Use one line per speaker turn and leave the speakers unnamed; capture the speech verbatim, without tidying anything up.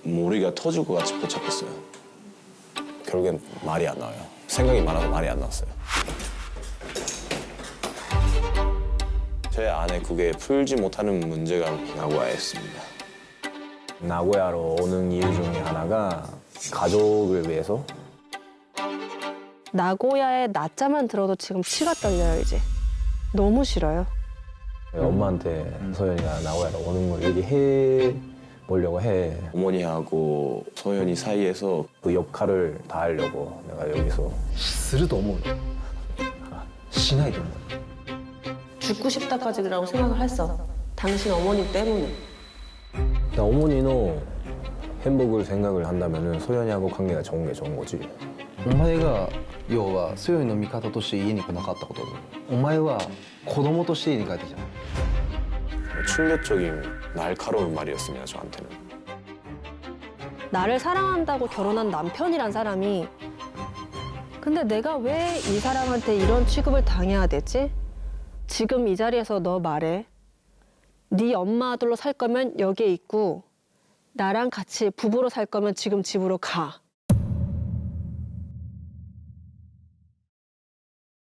머리가 터질 것 같이 포착했어요. 결국엔 말이 안 나와요. 생각이 많아서 말이 안 나왔어요. 제 안에 그게 풀지 못하는 문제가 나고야였습니다. 나고야로 오는 이유 중에 하나가 가족을 위해서.
나고야의 낮자만 들어도 지금 치가 떨려요, 이제. 너무 싫어요.
엄마한테 소연이가 나고야로 오는 걸 얘기해 보려고 해. 어머니하고 소연이 사이에서 그 역할을 다 하려고 내가 여기서.
すると思うのしないと思う
죽고 싶다까지라고 생각을 했어. 당신 어머니 때문에.
나 어머니는 행복을 생각을 한다면 소연이하고 관계가 좋은 게 좋은 거지.
お前が要は強いの味方として家に来なかったことお前は子供として家に帰ってきた
충격적인 날카로운 말이었습니다, 저한테는.
나를 사랑한다고 결혼한 남편이란 사람이 근데 내가 왜 이 사람한테 이런 취급을 당해야 되지? 지금 이 자리에서 너 말해. 네 엄마 아들로 살 거면 여기에 있고 나랑 같이 부부로 살 거면 지금 집으로 가.